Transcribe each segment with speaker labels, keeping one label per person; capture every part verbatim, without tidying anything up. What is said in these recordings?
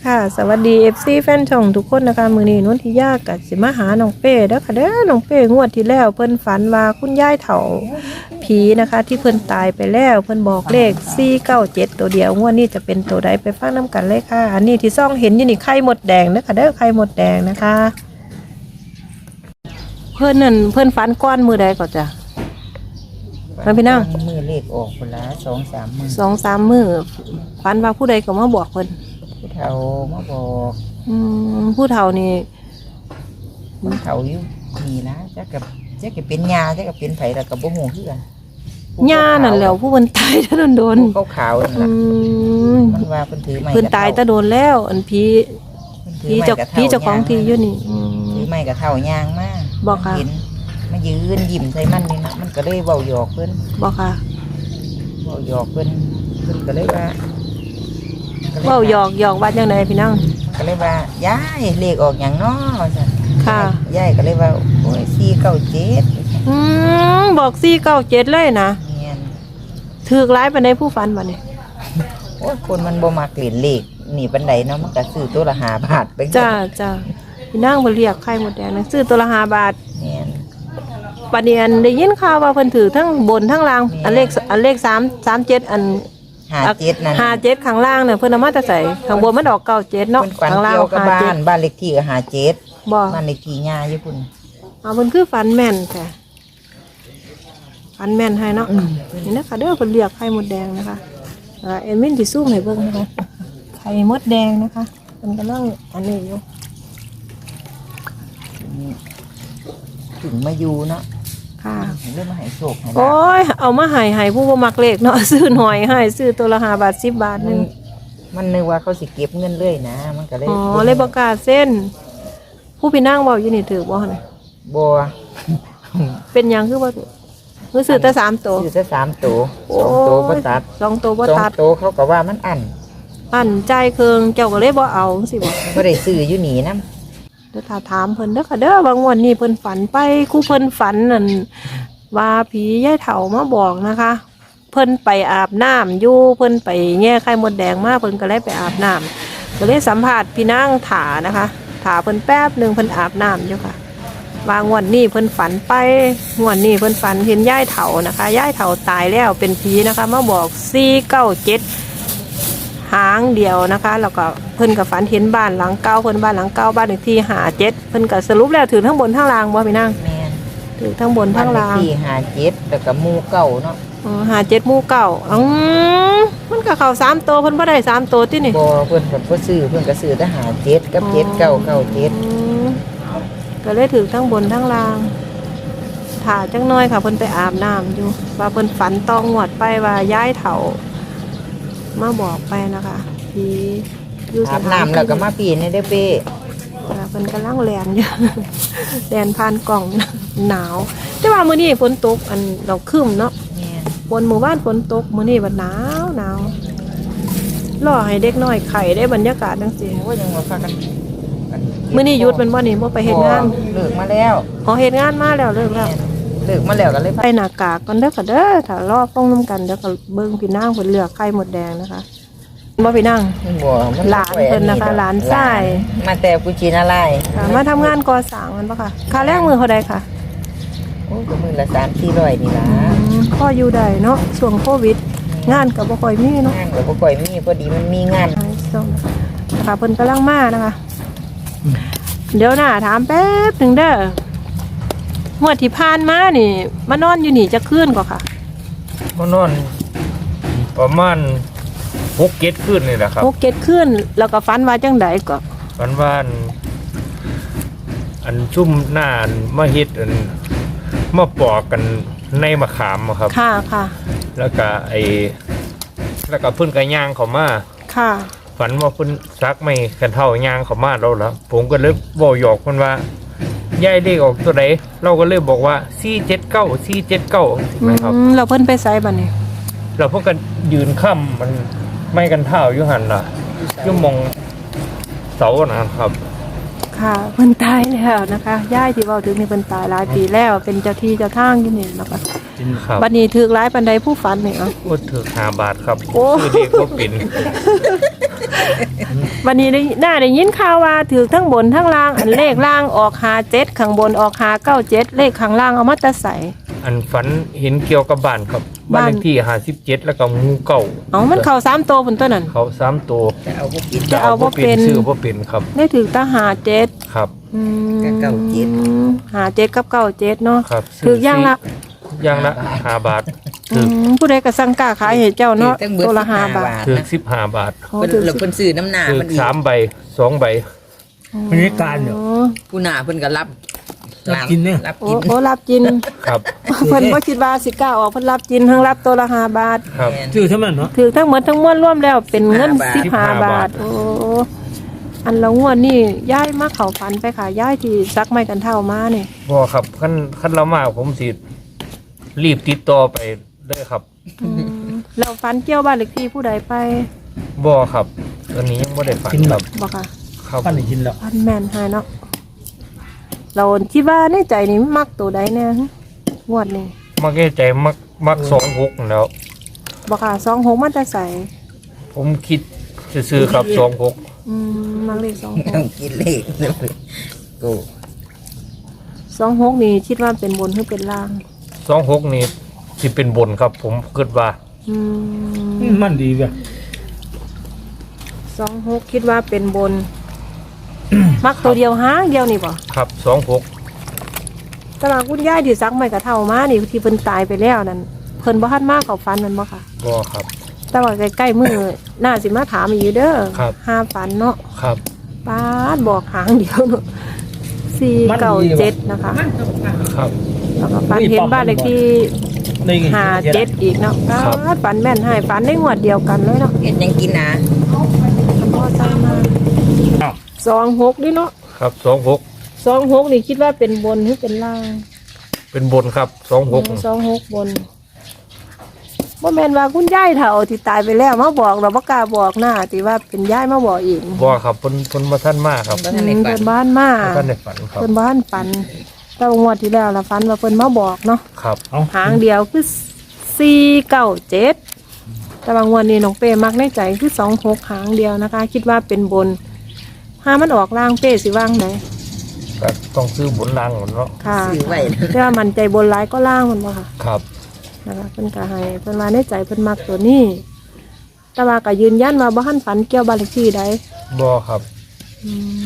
Speaker 1: ค่ะสวัสดี เอฟ ซี แฟนช่องทุกคนนะคะมื้อนี้นนทิยากับสิมาหาน้องเป้เด้อค่ะเด้อน้องเป้งวดที่แล้วเพิ่นฝันว่าคุณยายเฒ่าผีนะคะที่เพิ่นตายไปแล้วเพิ่นบอกเลขสี่เก้าเจ็ดตัวเดียวงวดนี้จะเป็นตัวใดไปฟังน้กันเลยค่ะอันนี้ที่ซ่องเห็นอยู่นี่ไข่มดแดงเด้อค่ะเด้อไข่มดแดงนะคะเพิ่นนั่นเพิ่นฝันก้อนมือใดก่อนจ้ะมาพี่นั่ง
Speaker 2: มือเลขออกคนละสองสามมือ
Speaker 1: สองสามมือฝันว่าผู้ใดก็มาบอกเพิ่น
Speaker 2: ผู้เฒ่ามาบอก
Speaker 1: อืมผู้เฒ่านี่
Speaker 2: ผู้เฒ่าอยู่นี่นะจะกับจะกับเป็นยาจะกับเป็นไผแล้วกับบ่ฮู้คือกัน
Speaker 1: ย่านั่นแหล้วผู้เพิ่นตายตะโดนโดน
Speaker 2: ผู้ขาวๆนั่น
Speaker 1: อื
Speaker 2: ล่ะ
Speaker 1: ม
Speaker 2: มันว่าเพิ่นถือไม้
Speaker 1: เพิ่นตายตะโดนแล้วอันผี
Speaker 2: ถื
Speaker 1: ผี
Speaker 2: อไม้
Speaker 1: เจ้าก
Speaker 2: ระเท่
Speaker 1: ผีเจ้าของที่อยู่นี่อืม
Speaker 2: ถือไม้กระเท่ายางมา
Speaker 1: บอกค่ะ
Speaker 2: เห็นมายืนยิ้มใส่มันนี่นะมันก็เลยเว้าหยอกเพิ่น
Speaker 1: บอกค่ะ
Speaker 2: เว้าหยอกเพิ่นเพิ่นก็เลยว่า
Speaker 1: เว้าหยอกหยอกว่าจังไดพี่น้อง
Speaker 2: ก็เลยว่ายายเลขออกหยังน้อซั่น
Speaker 1: ค่ะ
Speaker 2: ยายก็เลยว่าโอ้ยสี่เก้าเจ็ด
Speaker 1: อืมบอกสี่เก้าเจ็ดเลยนะ
Speaker 2: แม่น
Speaker 1: ถูกหลายปานใดผู้ฝันบัดนี้
Speaker 2: โอ้ยคนมันบ่มักเล่นเลขนี่ปานใดเนาะมันก็ซื้อตัวละห้าบาทไป
Speaker 1: จ้าจ้าพี่นางบ่เรียกไข่หมดแดงนะซื้อตัวละห้าบาท
Speaker 2: แม่น
Speaker 1: บัดนี้อันได้ยินข่าวว่าเพิ่นถือทั้งบนทั้งล่างอันเลขอันเลขสาม สามเจ็ดอัน
Speaker 2: ห้าเจ็ดนั่น
Speaker 1: ห้าเจ็ดข้างล่างเนี่ยเพิ่นเอามาแต่ใส่ข้างบนมันออกเก้าเจ็ดเนาะ
Speaker 2: เพิ่นฝัน
Speaker 1: ข้างล่าง
Speaker 2: เกี่ยวกับ
Speaker 1: ห้า
Speaker 2: บ้า
Speaker 1: เจ็ด
Speaker 2: นบ้านเลขที่ก็ห้าเจ็ด
Speaker 1: บ่
Speaker 2: บ้านเลขที่ย่าอยู่พุ่น
Speaker 1: เอาเพิ่นคือฝันแม่นแท้ฝันแม่นให้เนาะนี่นะคะเด้อเพิ่นเรียกไข่มดแดงนะคะอ่าเอ็นมินสิซูมให้เบิ่งนะคะไข่มดแดงนะคะเพิ่นกำลังอันนี้อยู่
Speaker 2: ถึงมาอยู่เนาะ
Speaker 1: ค่ะ
Speaker 2: เริ่มมาให้โชคให้ลา
Speaker 1: โอ้ยเอามาให้ให้ผู้บ่มักเลขเนาะ ซื้อหน่อยให้ซื้อตัวละห้าบาทสิบบาท
Speaker 2: ภ
Speaker 1: นึง
Speaker 2: มันนึกว่าเขาสิเก็บเงินเลยนะมันก็เลย
Speaker 1: อ๋อเลยบ่กล้าเส้น ผู้พี่นางเว้าอยู่นี่ถือบ่หั่น
Speaker 2: บ่
Speaker 1: เป็นหยังคือบ่ถือคือซื้อแต่สามตัว
Speaker 2: ซื้อแต่สามตัวสองตัวบ่ตัด
Speaker 1: สองตัวบ่
Speaker 2: สอง
Speaker 1: ตัด
Speaker 2: ตัวเขาก็ว่ามันอัน
Speaker 1: อันใจายเครื่องเจ้าก็เลยบ่เอาจังซี่บ่
Speaker 2: บ่ได้ซื้ออยู่นี่นำ
Speaker 1: เดี๋ยวถ้าถามเพิ่นเด้อค่ะเด้อบางวันนี้เพิ่นฝันไปครู่เพิ่นฝันนั่นว่าผียายเฒ่ามาบอกนะคะ เพิ่นไปอาบน้ำอยู่เพิ่นไปแง่ไข่มดแดงมาเพิ่นก็เลยไปอาบน้ำก็เลยสัมภาษณ์พี่นางถานะคะถาเพิ่นแป๊บหนึงเพิ่นอาบน้ำอยู่ค่ะวางวันนี้เพิ่นฝันไปงวดนี้เพิ่นฝันเห็นยายเฒ่านะคะยายเฒ่าตายแล้วเป็นผีนะคะมาบอกสี่เก้าเจ็ดหางเดียวนะคะแล้วก็เพิ่นกับฝันเห็นบ้านหลังเก่าเพิ่นบ้านหลังเก่าบ้านเลขที่ห้าเจ็ดเพิ่นก็สรุปแล้วถือทั้งบนทั้งล่างบ่พี่นาง
Speaker 2: แม่น
Speaker 1: ถือทั้งบนทั้งล่าง
Speaker 2: บ้นเลขที่ห้าเจ็ดแล้วก็หมู่เก่าเนาะ
Speaker 1: ห้าเจ็ดหมู่เก่าอืมมันก็เข้าสามตัวเพิ่นบ่ได้สามตัวที่นี่
Speaker 2: บ่เพิ่นก็บ่ซื้อเพิ่นก็ซื้อแต่ห้าเจ็ดกับเจ็ดเก้าเก้าเจ็ด
Speaker 1: อืมก็เลยถือทั้งบนทั้งล่างถ่าจังน้อยค่ะเพิ่นไปอาบน้ำอยู่ว่าเพิ่นฝันตองหวดไปว่าย้ายเฒ่ามาบอกไปนะคะที่อยู่ส
Speaker 2: อาบ
Speaker 1: ถาน
Speaker 2: น้ำแล้วก็มาปีนในเด้อเป้
Speaker 1: ค่ะเพิ่นกำลังแลนอยู่ แลนผ่านกล่อง หนาว แต่ว่ามื้อนี้ฝนตกอันเราครึ้มเนาะ
Speaker 2: แม่น
Speaker 1: ฝนหมู่บ้านฝนตกมื้อนี้บัดหนาวหนาวรอให้เด็กน้อยไข่ได้บรรยากาศจังซี่
Speaker 2: โอ้ยยังว่าพากันกัน
Speaker 1: มื้อนี้หยุดมันบ่นี่บ่ไปเฮ็ดงาน
Speaker 2: เลิกมาแล้ว
Speaker 1: อ๋อเฮ็ดงานมาแล้วเลิกแล้ว
Speaker 2: เลิกมาแล้วก็เลยพา
Speaker 1: ใส่หน้ากากก่อนเด้อค่ะเด้อถ้ารอฟ้องนํกันเดี๋ยวก็เบิ่งพี่นางเพิ่นเลือกไข่หมดแดงนะคะบ่พี่นาง
Speaker 2: บ่มั
Speaker 1: หลานเพิ่นนะคะหลานชาย
Speaker 2: มาแต่กุชินาลาย
Speaker 1: ค่ะมาทำงานก่อสร้างมันบ่ค่ะค่าแรงมื้อเท่าใดค่ะ
Speaker 2: โอ้ยก็มื้อละสามสี่ร้อยนี่ล่ะ
Speaker 1: อืมพออยู่ได้เนาะช่วงโควิด งานก็บ่ค่อยมีเนาะ
Speaker 2: งานก็บ่ค่อยมีพอดีมันมีงาน
Speaker 1: ส้มค่ะเพิ่นกำลังมานะคะ เดี๋ยวนะถามแป๊บหนึ่งเด้อหมวดที่ผ่านมานี่มานอนอยู่นี่จะคืนกว่าค่ะ
Speaker 3: มานอนประมาณหกเจ็ดคืนนี่แหละครับ
Speaker 1: หกเก็ดคืนแล้วก็ฝันว่าจังใดก็
Speaker 3: วันวานอันชุ่มหน้าอันมาเฮ็ดอันมาปอกกันในมะขามอะครับ
Speaker 1: ค่ะค่ะ
Speaker 3: แล้วก็ไอแล้วก็เพิ่นก็ย่างเขามา
Speaker 1: ค่ะ
Speaker 3: ฝันว่าเพิ่นซักไม่กันเท่าย่างเขามาแล้วล่ะผมก็เลยบอกหยอกเพิ่นว่าย้ายเลขออกตัวใดเราก็เลยบอกว่าสี่เจ็ดเก้าสี่เจ็ดเก้านะครับ
Speaker 1: อืมเราเพิ่นไปไสบัดนี้
Speaker 3: เราพวกกันยืนค่ำมันไม่กันเท่าอยู่หันล่ะอยุ่มองเสานะครับ
Speaker 1: ค่ะเพิ่นตายแล้วนะคะย่ายที่เว้าถึงนี่เพิ่นตายหลายปีแล้วเป็นเจ้าที่เจ้าทางอยู่นี่นะคะ
Speaker 3: ครับ
Speaker 1: บัดนี้ถูกหลายปานใดผู้ฝันนี่เอ่ะ
Speaker 3: ก็ถือหาบาทครับ
Speaker 1: โอ้
Speaker 3: คือเด็กก็เป็น
Speaker 1: วันนี้ได้น่าได้ยินข่าวว่าถือทั้งบนทั้งล่างอันเลขล่างออกหาเจ็ดข้างบนออกหาเก้าเจ็ดเลขข้างล่างเอามาแตะใส่
Speaker 3: อันฝันเห็นเกี่ยวกับบ้านครับบ้านเลขที่ห้าสิบเจ็ดแล้วก็งูเก่า
Speaker 1: เอามันเข้าสามตัวบนตัวนั้น
Speaker 3: เขาสามตัว
Speaker 2: จะเอาพวกกิน
Speaker 1: จะเอาบ่เป็น
Speaker 3: ชื่อบ่เป็นครับ
Speaker 1: ได้ถือตาหาเจ็ด
Speaker 3: ครับ
Speaker 1: อืม
Speaker 2: กับเก้าเจ็ด
Speaker 1: หาเจ็ดกับเก้าเจ็ดเนาะ
Speaker 3: ครับ
Speaker 1: ถือย่างละ
Speaker 3: อย่างละห้าบาท
Speaker 1: อื
Speaker 3: ถือ
Speaker 1: มผู้ใดก็สั่งกล้าขายให้เจ้าเนาะ
Speaker 2: ทั้งเบิด
Speaker 1: ตัวละห้า
Speaker 2: สิบห้า
Speaker 1: บาท
Speaker 2: บาท
Speaker 3: ถือสิบห้าบาท
Speaker 1: โอ้
Speaker 2: เพิ่น
Speaker 1: ถือ
Speaker 2: แล้วเพิ่นซื้อน้ำหนา
Speaker 3: ถือ
Speaker 2: มันอีก
Speaker 3: สามใบสองใบ
Speaker 4: บรรยากาศเนี่ย
Speaker 1: โอ้
Speaker 2: ผู้หน้าเพิ่นก็รับ
Speaker 4: รับกินเนี่ย
Speaker 2: รับ
Speaker 1: โอ้
Speaker 2: กิน
Speaker 1: โอ้รับจิน
Speaker 3: ครับ
Speaker 1: เพิ่นบ่คิดว่าสิกล้าออกเพิ่นรับจินทั้งรับตัวละห้าบาท
Speaker 3: ครับ
Speaker 2: แม่น
Speaker 4: ชื่อทั้งนั้นเนาะ
Speaker 1: ถือทั้งหมดทั้งมวลรวมแล้วเป็นเงิน
Speaker 2: สิ
Speaker 1: สิบบ ห้า
Speaker 3: ห้า
Speaker 1: บา
Speaker 3: บา
Speaker 1: ท
Speaker 3: ท
Speaker 1: โอ้อันละงวดนี่ย้ายมาเข้าฝันไปค่ะย้ายที่ซักไม้กันเท่ามานี่
Speaker 3: บ่ครับขั้นขั้นเรามากผมสิรีบติดต่อไปเลยครับ
Speaker 1: อืมแล้วฝันเกี่ยวบ้านเลขที่ผู้ใดไป
Speaker 3: บ่ครับอันนี้ยังบ่ได้ฝันครับ
Speaker 1: บ่ค่ะ
Speaker 3: ครับ
Speaker 4: ปั้นได้กินแล้ว
Speaker 1: ฝันแม่นหายเนาะเราคิดว่าในใจนี่มักตัวใดแน่งวดนี้
Speaker 3: มักแก้ใจมักมักสองหกนั่นแหล้ว
Speaker 1: บ่ค่ะสองหกมันจะใส่
Speaker 3: ผมคิดจะซื้อครับสองหก
Speaker 1: อืมมักเลขสองห
Speaker 2: ต้อก งกินเลขเลยโอ้
Speaker 1: สองหกนี่คิดว่าเป็นบนหรือเป็นล่าง
Speaker 3: สองหกนี่สิเป็นบนครับ ผมคิดว่า
Speaker 1: อืม
Speaker 4: มันดีเว้ย
Speaker 1: สองหกคิดว่าเป็นบน มักตัวเดียวหางเดียวนี่บ่
Speaker 3: ครับสองหก
Speaker 1: ตลาดคุณยายที่ซักไม่กระเท่ามานี่ที่เพิ่นตายไปแล้วนั่นเพิ่นบ่ทันมาเข้าฝันแมันบ่ค่ะ
Speaker 3: บ่ครับ
Speaker 1: แต่ว่าใกล้ๆมื้อน่าสิมาถามอีกอยู่เด้อ
Speaker 3: ครับ
Speaker 1: ห้าฝันเนาะ
Speaker 3: ครับ
Speaker 1: ป้าดบอกหางเดียวเนาะสี่เก้าเจ็ดนะคะ
Speaker 3: ครับ
Speaker 1: แล้วก็ฝันเห็นบ้านเลขที่
Speaker 4: ได้กิน
Speaker 1: ห้าเจ็ดอีกเนาะป้าดฝันแม่นให้ฝันได้งวดเดียวกันเลยเนาะ
Speaker 2: เฮ็ดหยังกินนะ
Speaker 1: พ่อตามมาสองหกดิเนาะ
Speaker 3: ครับสองหก
Speaker 1: สองหกนี่คิดว่าเป็นบนหรือเป็นล่าง
Speaker 3: เป็นบนครับสองหก
Speaker 1: สองหกบนบ่แม่นว่าคุณยายเฒ่าที่ตายไปแล้วมาบอกเราบ่กล้าบอกหน้าที่ว่าเป็นยายมาบอกเอง
Speaker 3: บ่ครับเพิ่นเพิ่นมาท่านมากครับ
Speaker 2: บ่
Speaker 1: อื
Speaker 2: ทัน
Speaker 1: ม
Speaker 2: ได้ฝั
Speaker 1: เพิ่
Speaker 2: น
Speaker 1: นบ้านมา
Speaker 3: บ่ท่านได้ฝันครับ
Speaker 1: เพิ่นบ้านฝันแต่ว่างวดที่แล้วล่ะฝันว่าเพิ่นมาบอกเนาะ
Speaker 3: ครับ
Speaker 4: เอา
Speaker 1: หางเดียวคือสี่เก้าเจ็ดแต่บางวันนี้น้องเป้มักในใจคือสองหกหางเดียวนะคะ คิดว่าเป็นบนห้ามันออกล่างเป้สิว่างไหน
Speaker 3: ก็ต้องซื้อบนล่างหมดเนาะ
Speaker 1: ค่ะ
Speaker 2: ซื้อไว้นะ
Speaker 1: เพื่อมันใจบนร้ายก็ล่างมันบ่ค่ะ
Speaker 3: ครับ
Speaker 1: นะคะเพิ่นก็ให้เพิ่นว่าในใจเพิ่นมักตัวนี้ แต่ว่าก็ยืนยันว่าบ่ทันฝันเกี่ยวบ้านเลขที่ใด
Speaker 3: บ่ครับ
Speaker 1: อืม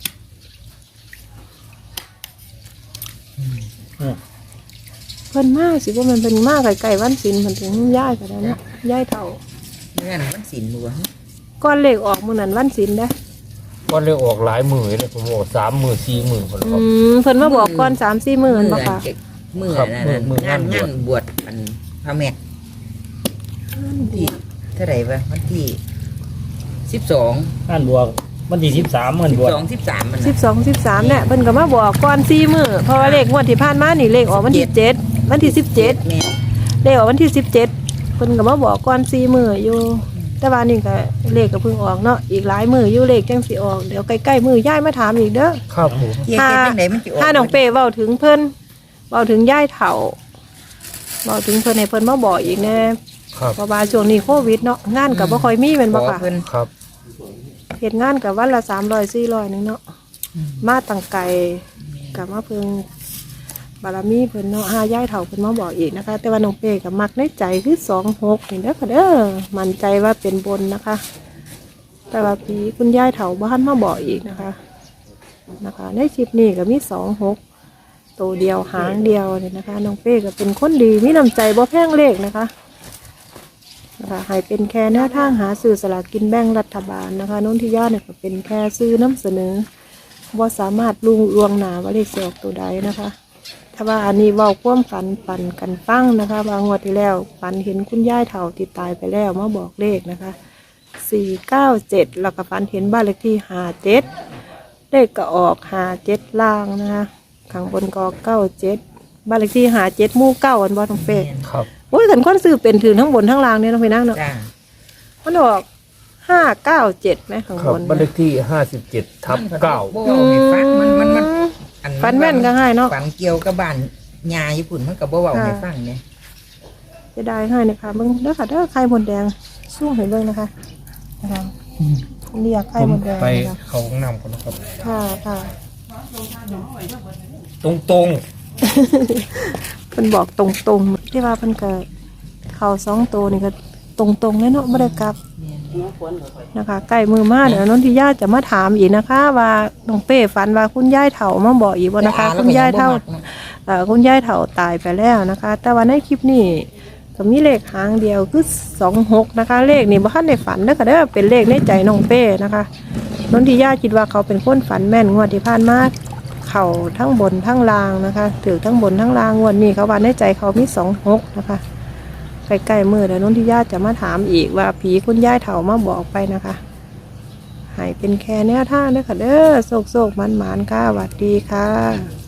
Speaker 4: อืม
Speaker 1: เพิ่นมาสิว่ามันเป็นมาไกลๆวันศีลเพิ่นถึงย้ายก็ได้เนาะย้ายเฒ่า
Speaker 2: เมื่อนมันสินบัว
Speaker 1: ก้อนเลขออกมื้อนั้นวันศีลเด้อ
Speaker 3: ก็เลยออกหลายมือเลยผมบอกสามมือสี่มือคนละค
Speaker 1: อื
Speaker 3: รับ
Speaker 1: มเพิ่นมาบอกก่อน สามสี่มื้อนั่นบ่ค่ะ
Speaker 2: มื้อ
Speaker 3: ครับ
Speaker 2: นั่น
Speaker 3: มื้อ
Speaker 2: น่ะงาน
Speaker 3: มื้องาน
Speaker 2: งานบวชอันพระแม่ที่เท่าไหร่วะวันที่สิบสอง
Speaker 4: อ่านบวกวันที่สิบสามมัน
Speaker 2: สิบบ
Speaker 4: วก
Speaker 2: สองสิบสามมัน
Speaker 1: สิ
Speaker 2: น่ะ
Speaker 1: บสอง สิบสามเนี่ยเพิ่นก็มาบอกก่อนสี่มื้อเพราะว่าเลขงวดที่ผ่านมานี่เลขออกวันที่เจ็ดวันที่สิบเจ็ด
Speaker 2: แม่
Speaker 1: เลขออกวันที่สิบเจ็ดเพิ่นก็มาบอกก่อนสี่มื้ออยู่ แต่ว่านี่ก็เลขก็เพิ่งออกเนาะอีกหลายมื้ออยู่เลขจังสิออกเดี๋ยวใกล้ๆมื้อย่ายมาถามอีกเด้อ
Speaker 3: ครับผม
Speaker 2: เฮ็ดจังไดมันสิออก
Speaker 1: ถ้าน้องเป้เว้าถึงเพิ่นเว้าถึงย่ายเฒ่าเว้าถึงเพิ่นให้เพิ่นมาบอกอีกแน่
Speaker 3: ครับ
Speaker 1: เพราะว่าช่วงนี้โควิดเนาะงานก็บ่ค่อยมีแม่น
Speaker 2: ข
Speaker 1: บ่
Speaker 2: อ
Speaker 1: ค่ะ
Speaker 2: เพิ่น
Speaker 3: ครับ
Speaker 1: เฮ็ดงานก็วันละสามร้อยสี่ร้อยนึงเนาะมาตั้งไกลก็มาเพิ่งบารมีเพิ่นเนาะหาย่ายเฒ่าเพิ่นมาบอกอีกนะคะ แต่ว่าน้องเป้ก็มักในใจคือสองหกนี่เด้อค่ะเด้อมั่นใจว่าเป็นบนนะคะ แต่ว่าปีคุณย่ายเฒ่าบ่ทันมาบอกอีกนะคะนะคะ ในคลิปนี้ก็มีสองหก ตัวเดียวหางเดียวเนี่ยนะคะน้องเป้ก็เป็นคนดีมีน้ำใจบ่แพงเลขนะคะนะคะให้เป็นแค่แนวทางหาซื้อสลากกินแบ่งรัฐบาลนะคะน้องที่ย่าเนี่ยก็เป็นแค่ซื้อน้ำเสนอว่าสามารถลุงลวงหนาว่าเลขเสียออกตัวใดนะคะถ้าว่าอันนี้เว้าความฝันปันกันฟังนะคะบางงวดที่แล้วฝันเห็นคุณย่ายเฒ่าที่ตายไปแล้วมาบอกเลขนะคะสี่เก้าเจ็ดแล้วก็ฝันเห็นบ้านเลขที่ห้าเจ็ดเลขก็ออกห้าเจ็ดล่างนะคะข้างบนก็เก้าเจ็ดบ้านเลขที่หาเจ็ดหมู่เก้าอันบอทองเป้
Speaker 3: ครับ
Speaker 1: โอ้ยขันก้อนซื้อเป็นถึงทั้งบนทั้งล่างเนี่ยน้องไปนั่งเนาะ
Speaker 2: จ้า
Speaker 1: มันออกห้าเก้าเจ็ดไหมข้าง
Speaker 3: ครับ
Speaker 1: บน
Speaker 3: บ้านเลขที่ห้าสิบเจ็ดทับเก้า
Speaker 2: บ่เอาให้ฟังมันมันมันอั
Speaker 1: ฟันแม่นก็ง่ายเนาะ
Speaker 2: ฝันเกี่ยวกับบ้านยาญี่ปุ่นมันก็บ่เว้าให้ฟังเนี่ย
Speaker 1: จะได้ให้นะคะเบิ้งเด้อค่ะเด้อไข่มดแดงสู้ให้เบิ้งนะคะนะคะเรียกไข่
Speaker 3: ผม
Speaker 1: มดแดง
Speaker 3: ไป
Speaker 1: นะคะ
Speaker 3: เขาห้องน้ำก่อนนะครับ
Speaker 1: ค่ะค่ะ
Speaker 3: ตรงตรง
Speaker 1: เพิ่นบอกตรงๆที่ว่าเพิ่นก็เข้าสองตัวนี่ก็ตรงๆเลยเนาะบ่ได้กลับนะคะใกล้มือมาเดี๋ยวนนทิยาจะมาถามอีกนะคะ ว่าน้องเป้ฝันว่าคุณยายเฒ่ามาบอกอีกบ่นะคะ คุณยายเฒ่าเอ่อคุณยายเฒ่าตายไปแล้วนะคะ แต่ว่าในคลิปนี้ก็มีเลขหางเดียวคือสองหกนะคะ เลขนี่บ่ทันได้ฝันเด้อค่ะเด้อเป็นเลขในใจน้องเป้นะคะนนทิยาคิดว่าเขาเป็นคนฝันแม่นงวดที่ผ่านมาเข่าทั้งบนทั้งล่างนะคะถือทั้งบนทั้งล่างงวดนี้เขาว่าในใจเขามีสองหกนะคะใกล้ๆมือเดี๋ยวนนทิยาจะมาถามอีกว่าผีคุณยายเฒ่ามาบอกไปนะคะให้เป็นแค่แนวทางเด้อค่ะเด้อโศกโศกมันหมานๆค่ะสวัสดีค่ะ